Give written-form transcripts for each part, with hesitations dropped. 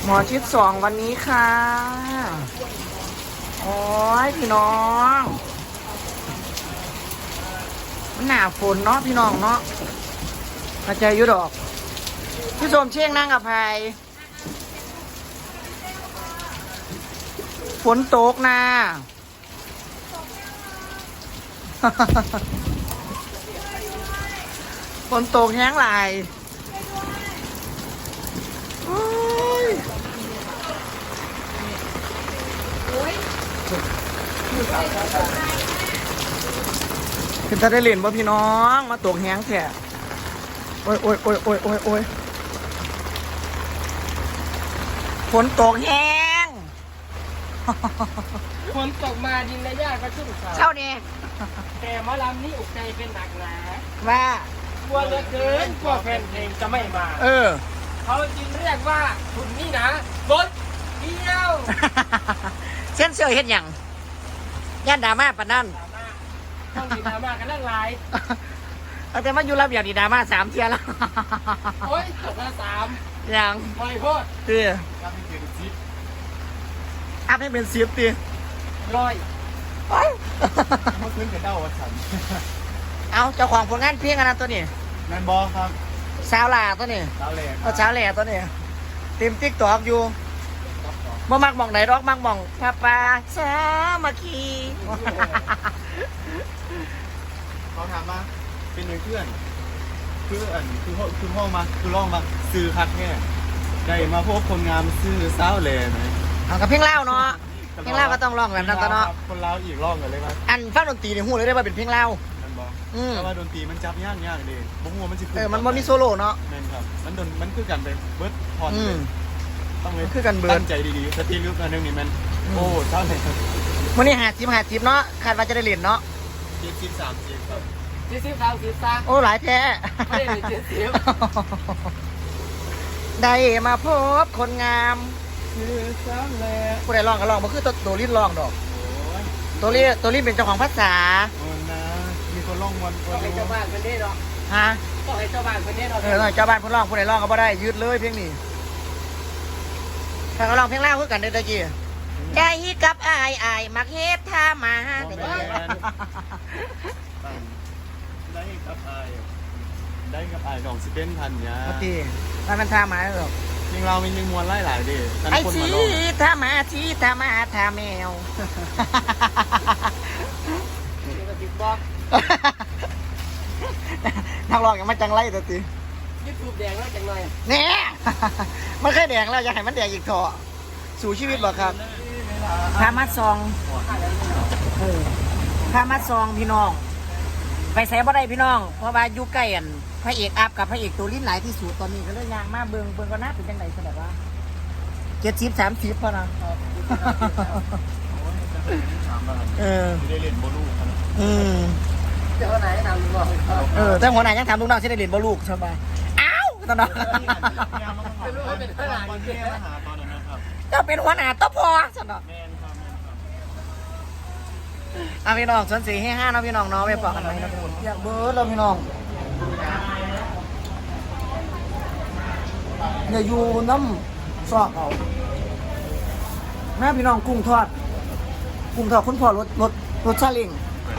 หมอชิด2วันนี้ค่ะโอ้ยพี่น้องมันหนาฝนเนาะพี่น้องเนาะเข้าใจอยู่ดอกพี่สมเชียงนั่งกับไพฝนตกนะ ฝนตกแห้งหลายคือจะได้เล่นบ่พี่น้องมาตกแห้งแท้โอ้ยโอ้ยโอ้ยโอ้ยโอ้ยโอ้ยฝนตกแห้งฝนตกมาดินและหญ้าก็ชุ่มฉ่ำเช้านี้แต่หมอลำนี้อกใจเป็นหนักหนาว่ากลัวเหลือเกินกลัวแฟนเพลงจะไม่มา เขาจึงเรียกว่าคุณนี่นะบดเดียวเส้นเสื้อเห็นอย่างย่านดราม่าปะนั่นต้องมีดราม่ากันเรื่องไรเอาแต่มาอยู่รับอย่างดีดราม่า3 เที่ยแล้วโอ้ยตกละ3 อย่างปล่อยโพดตีรับให้เป็นซิปอัพให้เป็น10 ตีร้อยโอ้ยเมื่อคืนกับเด้าวันฉันเอาเจ้าของผลงานเพลงอันนั้นตัวนี้แมนบอครับสาวลาตัวนี้ดาวแหลกก็เช้าแหล่ตัวนี้เต็มติ๊กตอกอยู่บ่มักมองไหนรอกมักมองพระป่าสามัคคีเขาถามมาเป็นเพื่อนคือพ่อมาคือร้องมาซื้อคัดแค่ได้มาพบคนงามซื้อสาวแหล่ไหมเอากับเพลงเล่าเนาะเพลงเล่าก็ต้องร้องแบบนั้นตัวเนาะคนลาวอีกร้องกันเลยครับอันฟังดนตรีในหูเลยได้ว่าเป็นเพลงเล่ามันบอกอืมแต่ว่าดนตรีมันจับยากเลยบ่ฮู้ว่ามันสิมันบ่มีโซโล่เนาะแม่นครับมันคือกันไปเบิร์ดพรอืมต้องเลยคือกันเบิดตั้งใจดีๆสตรีลึกอันนึงนี่มันโอ้เจ้าเลยวันนี้50เนาะคาดว่าจะได้เล่นเนาะ 73ครับ 40 30ซะโอ้หลายแท้ไม่ได้เป็น70 ได้มาพบคนงามซื้อสาวแหล่ผู้ใดร้องก็ร้องบ่คือตัวลิ้นร้องดอกโอ้ยตัวลิ้นเป็นเจ้าของภาษาโอ้นะมีคนร้องวันคนต้องให้เจ้าบ้านเป็นได้หรอกฮะต้องให้เจ้าบ้านเป็นได้หรอกเจ้าบ้านผู้ร้องผู้ใดร้องก็บ่ได้ยืดเลยเพลงนี้ถ้าเขาร้องเพลงลาวคือกันเด้อตะกี้ใจกับอายมักเฮ็ดท่ามาบ่เด้แม่อนได้กับอายได้กับอายดองสิเป็นพันยาปกติมันท่ามาหรอกเพลงเรามีมวลหลายๆดิแต่ไอ้คนชีมาร้องท่ามาชีท่ามาท่าแมวบอกนักร้องยังมาจังไรตัวตียูทูบแดงแล้วจังหน่อยแน่ มันเคยแดงแล้วอยากให้มันแดงอีกเถอะสู่ชีวิตบ่ครับพามาซองพามาซองพี่น้อง ไปใส่บ่ได้พี่น้อง เพราะว่าอยู่ใกล้อันพระเอกอัพกับพระเอกตัวลิ้นหลายที่สุดตอนนี้ก็เลยยางมาเบิ่งก็น่าเป็นจังได๋ซะแบบว่า70-30พอนะเออไม่ได้เล่นโบลูครับอืมเจ้าไหนทำบอกแต่หัวหน้ายังถามลูกน้องสิได้เรียนบ่ลูกใช่ป่ะอ้าวตอนนั้นวันที่มาหาตอนนั้นนะครับจะเป็นหัวหน้าต้องพอสนอแมนครับอ่ะพี่น้องส่วน4ให้5เนาะพี่น้องเนาะไปปอกกันไหมนะพี่น้องอยากเบิร์ดเราพี่น้องอย่าอยู่น้ำซอกเอาแม่พี่น้องกุ้งทอดคุณพ่อรถซาเล้ง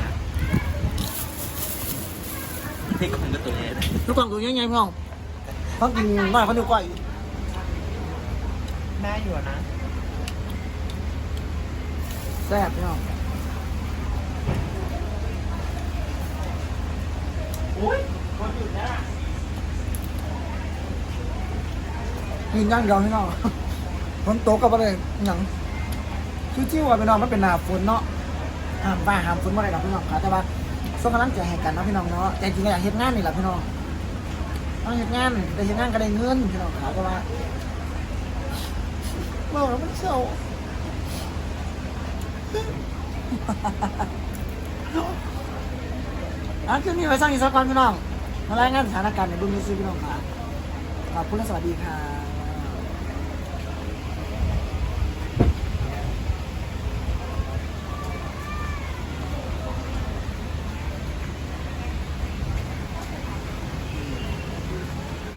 ที่คนก็ตัวนี้ลูกกล่องตัวใหญ่ๆพี่น้องเขากินบ้านเขาดูกว่าอยู่แม่อยู่นะแซ่บพี่น้องอุ้ยคนอยู่นะกินย่างเดียวพี่น้องฝนตกกับอะไรหยังชิวๆอ่ะพี่น้องมันเป็นหน้าฝนเนาะห้ามฟ้าห้ามฝนบ่ได้ดอกพี่น้องค่ะแต่ว่าส่งกำลังใจให้กันเนาะพี่น้องเนาะแต่จริงๆก็อยากเฮ็ดงานนี่แหละพี่น้องต้องเฮ็ดงานได้เฮ็ดงานก็ได้เงินพี่น้องค่ะแต่ว่าบอกแล้วมันเศร้าคืนนี้ไว้สร้างอีกสักก่อนพี่น้องมารายงานสถานการณ์ในบุญมิตรพี่น้องค่ะขอบคุณและสวัสดีค่ะ